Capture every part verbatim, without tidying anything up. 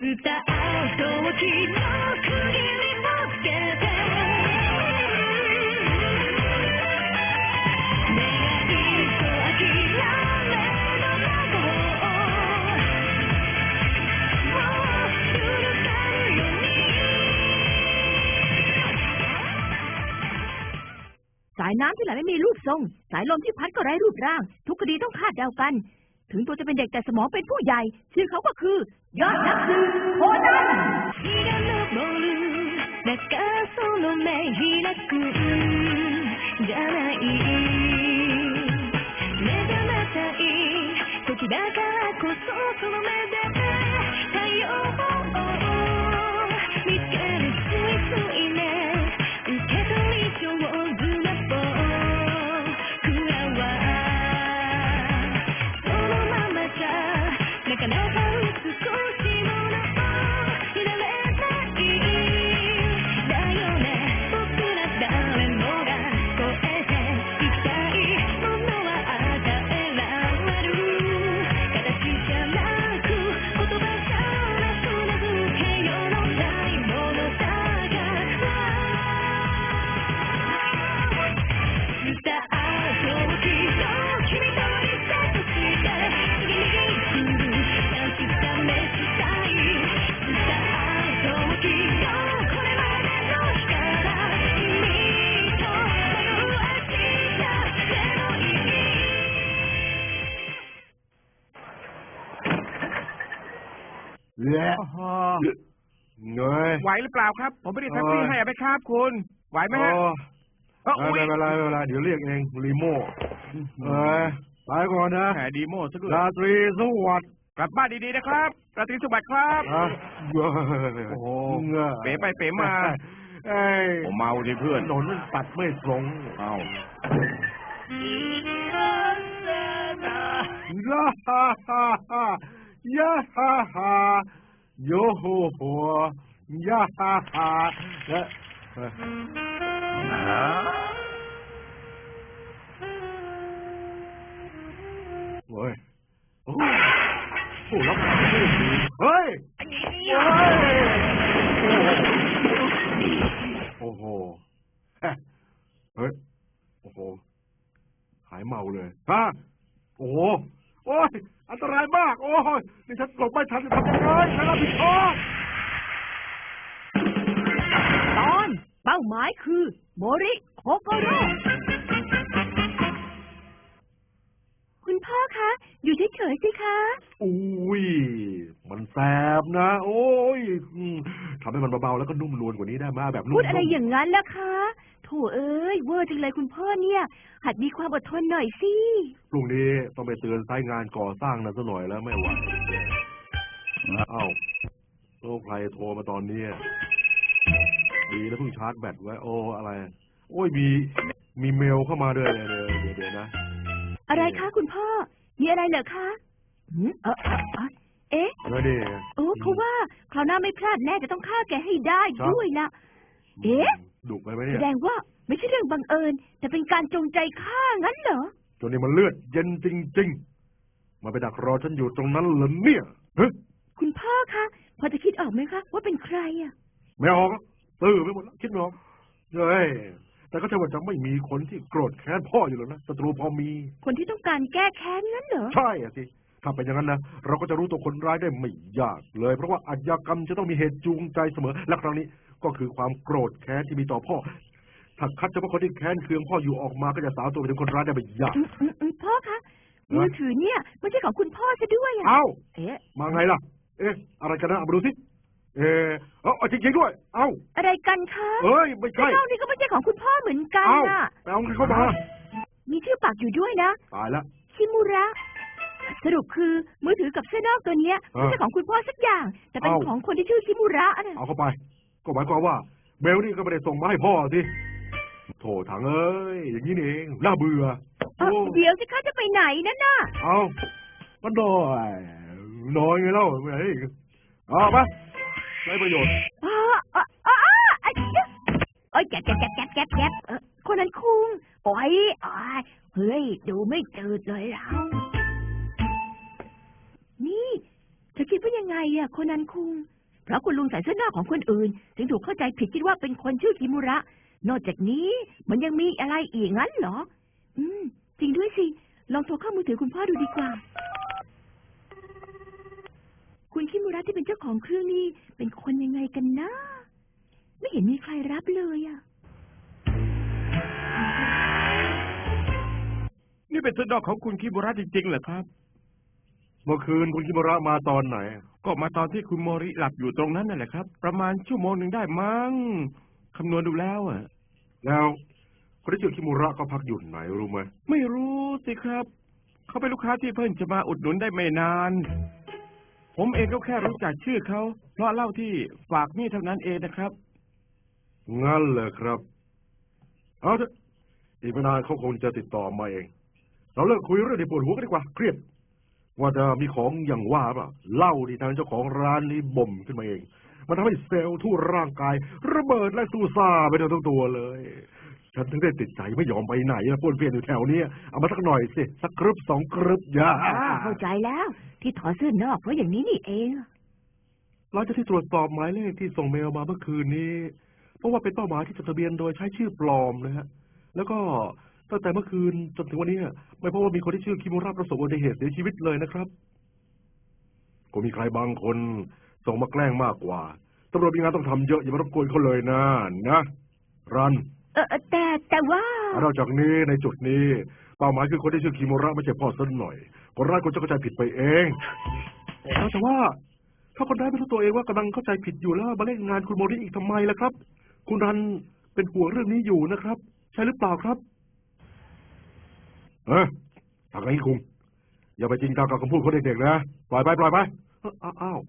สายน้ำที่ไหลไม่มีรูปทรงสายลมที่พัดก็ไร้รูปร่างทุกคดีต้องคาดเดากันถึงตัวจะเป็นเด็กแต่สมองเป็นผู้ใหญ่ชื่อเขาก็คือยอดนักสืบโคนันเหนื่อยไหวหรือเปล่าครับผมไม่ได้แท็กซี่ให้ไหมครับคุณไหวไหมฮะไม่เป็นไรไม่เป็นไรเดี๋ยวเรียกเองรีโม่เออไปก่อนนะแหมดีโม่ซะด้วยราตรีสวัสดิ์กลับบ้านดีๆนะครับราตรีสวัสดิ์ครับโอ้โหเป๋ไปเป๋มาผมเมาดิเพื่อนถนนมันตัดไม่ตรงเอ้าย่าฮ่าฮ่าฮ่าย่าฮ่าฮ่าโยโฮโฮย่าฮ่าฮ่าเฮ้ยโอ้โหรับเฮ้ยโอ้โหเฮ้ยโอ้โหหายเมาเลยฮะโอ้โหโอ้ยอันตรายมากโอ้ยนี่ฉันหลบไม่ทันจะทำยังไงฉันรับผิดชอบตอนเป้าหมายคือโมริโคโกโร่คุณพ่อคะอยู่เฉยๆสิคะอุ้ยมันแสบนะโอ้ยทำให้มันเบาๆแล้วก็นุ่มนวลกว่านี้ได้มาแบบพูดอะไรอย่างนั้นล่ะคะโถเอ้ยเวอร์จังเลยคุณพ่อเนี่ยหัดมีความอดทนหน่อยสิพรุ่งนี้ต้องไปเตือนไซต์งานก่อสร้างนะซะหน่อยแล้วไม่ไหวเอ้าโอ้ใครโทรมาตอนนี้ดีแล้วเพิ่งชาร์จแบตไว้โอ้อะไรโอ้ยมีมีเมลเข้ามาด้วยเดี๋ยวเดี๋ยวนะอะไรคะคุณพ่อมีอะไรเหรอคะเออเอ๊ะโอ้เขาว่าคราวหน้าไม่พลาดแน่จะต้องฆ่าแกให้ได้ด้วยนะเอ๊ะดุไปไหมเนี่ยแสดงว่าไม่ใช่เรื่องบังเอิญแต่เป็นการจงใจฆ่างั้นเหรอจนนี่มันเลือดเย็นจริงๆมาไปดักรอฉันอยู่ตรงนั้นเหรอเนี่ยคุณพ่อคะพอจะคิดออกไหมคะว่าเป็นใครอ่ะไม่ออกตื่นไปหมดแล้วคิดไม่ออกเฮ้ยแต่ก็ใช่ว่าจะไม่มีคนที่โกรธแค้นพ่ออยู่แล้วนะศัตรูพอมีคนที่ต้องการแก้แค้นงั้นเหรอใช่อ่ะสิถ้าเป็นอย่างนั้นนะเราก็จะรู้ตัวคนร้ายได้ไม่ยากเลยเพราะว่าอาชญากรรมจะต้องมีเหตุจูงใจเสมอและครั้งนี้ก็คือความโกรธแค้นที่มีต่อพ่อถ้าคัดเฉพาะคนที่แค้นเคืองพ่ออยู่ออกมาก็จะสาวตัวไปถึงคนร้ายได้ไม่ยากพ่อคะมือถือเนี่ยไม่ใช่ของคุณพ่อซะด้วยอ่ะเอ้าเอ๊ะมาไงล่ะเอ๊ะอะไรกันนะเอามาดูสิเออเอาจริงๆด้วยเอ้าอะไรกันคะเอ้ยไม่ใช่เจ้านี่ก็ไม่ใช่ของคุณพ่อเหมือนกันน่ะเอาเข้ามามีชื่อปักอยู่ด้วยนะตายแล้วชิมุระสรุปคือมือถือกับเสื้อนอกตัวนี้ไม่ใช่ของคุณพ่อสักอย่างแต่เป็นของคนที่ชื่อชิมุระนะเอาเข้าไปก็หมายความว่าเบลนี่ก็ไม่ได้ส่งมาให้พ่อสิโถถังเอ้ยอย่างนี้นี่เองน่าเบื่อเดี๋ยวสิคะจะไปไหนนั่นน่ะเอาก็น้อยน้อยไงเล่าไงเอาไปได้ประโยชน์อ๋ออ๋ออ๋อไอ้โอ้ยแกแกแกแกแกแกคนนั้นคุงโอ้ยอ๋อเฮ้ยดูไม่จืดเลยเรานี่เธอคิดว่ายังยังไงอะโคนันคุงเพราะคุณลุงใส่เสื้อหน้าของคนอื่นถึงถูกเข้าใจผิดคิดว่าเป็นคนชื่อคิมุระนอกจากนี้มันยังมีอะไรอีกงั้นเหรออืมจริงด้วยสิลองโทรเข้ามือถือคุณพ่อดูดีกว่าคุณคิมุระที่เป็นเจ้าของเครื่องนี้เป็นคนยังไงกันนะไม่เห็นมีใครรับเลยอะนี่เป็นเสื้อนอกของคุณคิมุระจริงๆเหรอครับเมื่อคืนคุณคิมุระมาตอนไหนก็มาตอนที่คุณโมริหลับอยู่ตรงนั้นนั่นแหละครับประมาณชั่วโมงหนึ่งได้มั้งคำนวณดูแล้วอ่ะแล้วคนที่ชื่อคิมุระก็พักอยู่ไหนรู้ไหมไม่รู้สิครับเขาเป็นลูกค้าที่เพิ่งจะมาอุดหนุนได้ไม่นานผมเองก็แค่รู้จักชื่อเขาเพราะเล่าที่ฝากนี่เท่านั้นเองนะครับงั้นเลยครับเอาเถอะอีกไม่นานเขาคงจะติดต่อมาเองเราเลิกคุยเรื่องที่ปวดหัวกันดีกว่าเครียดว่าจะมีของอย่างว่าป่ะเหล้าที่ทางเจ้าของร้านนี้บ่มขึ้นมาเองมันทำให้เซลล์ทั่วร่างกายระเบิดและสูซ่าไปทั้งตัวเลยฉันถึงได้ติดใจไม่ยอมไปไหนป้วนเปี้ยนอยู่แถวนี้เอามาสักหน่อยสิสักกรึบสองกรึบอย่าเข้าใจแล้วที่ถอดเสื้อนอกเพราะอย่างนี้นี่เองหลังจากที่ตรวจสอบหมายเลขที่ส่งเมลมาเมื่อคืนนี้เพราะว่าเป็นเป้าหมายที่จดทะเบียนโดยใช้ชื่อปลอมนะฮะแล้วก็ตั้งแต่เมื่อคืนจนถึงวันนี้ไม่พบว่ามีคนที่ชื่อคิมุระประสบอุบัติเหตุเสียชีวิตเลยนะครับก็มีใครบางคนส่งมาแกล้งมากกว่าตำรวจมีงานต้องทำเยอะอย่ามารบกวนเขาเลยนะนะรันเออแต่แต่ว่านอกจากนี้ในจุดนี้เป้าหมายคือคนที่ชื่อคิมุระไม่ใช่พ่อสักหน่อยคนร้ายคนจะเข้าใจผิดไปเองแต่ว่าถ้าคนร้ายไม่รู้ตัวเองว่ากำลังเข้าใจผิดอยู่แล้วมาเล่นงานคุณโมริอีกทำไมล่ะครับคุณรันเป็นห่วงเรื่องนี้อยู่นะครับใช่หรือเปล่าครับเออทางนี้คุงอย่าไปจริงจังกับคำพูดของเด็กๆนะปล่อยไปปล่อยไปอ้าว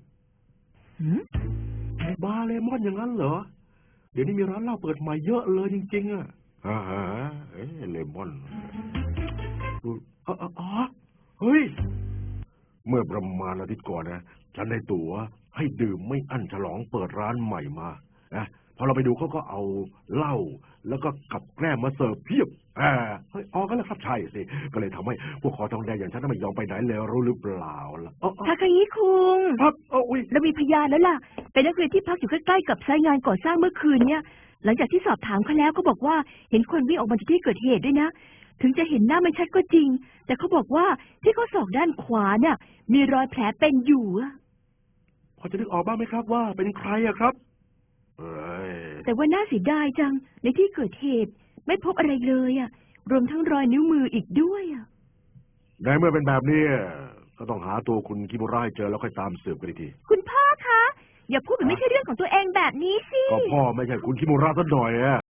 บาร์เลมอนอย่างนั้นเหรอเดี๋ยวนี้มีร้านเหล้าเปิดใหม่เยอะเลยจริงๆอ่ะอ่าเอ๊ะเลมอนอ๋ออ๋อเฮ้ยเมื่อประมาณอาทิตย์ก่อนนะฉันได้ตั๋วให้ดื่มไม่อั้นฉลองเปิดร้านใหม่มานะพอเราไปดูเขาก็เอาเหล้าแล้วก็กับแกล้มมาเสิร์ฟเพียบอ่าเฮ้ยอ๋อก็แล้วครับใช่สิก็เลยทำให้พวกคอทองแดงอย่างฉันไม่ยอมไปไหนเลยรู้หรือเปล่าล่ะทาคายิคุงครับโอ้ยเรามีพยานแล้วล่ะเป็นนักเรียนที่พักอยู่ใกล้ๆกับไซต์งานก่อสร้างเมื่อคืนเนี่ยหลังจากที่สอบถามเขาแล้วก็บอกว่าเห็นคนวิ่งออกมาจากที่เกิดเหตุด้วยนะถึงจะเห็นหน้าไม่ชัดก็จริงแต่เขาบอกว่าที่ข้อศอกด้านขวาเนี่ยมีรอยแผลเป็นอยู่อะพอจะนึกออกบ้างไหมครับว่าเป็นใครอะครับแต่ว่าน่าเสียดายจังในที่เกิดเหตุไม่พบอะไรเลยอ่ะรวมทั้งรอยนิ้วมืออีกด้วยอ่ะในเมื่อเป็นแบบนี้ก็ต้องหาตัวคุณคิมุระให้เจอแล้วค่อยตามสืบกันอีกทีคุณพ่อคะอย่าพูดแบบไม่ใช่เรื่องของตัวเองแบบนี้สิก็พ่อไม่ใช่คุณคิมุระซะหน่อยอะ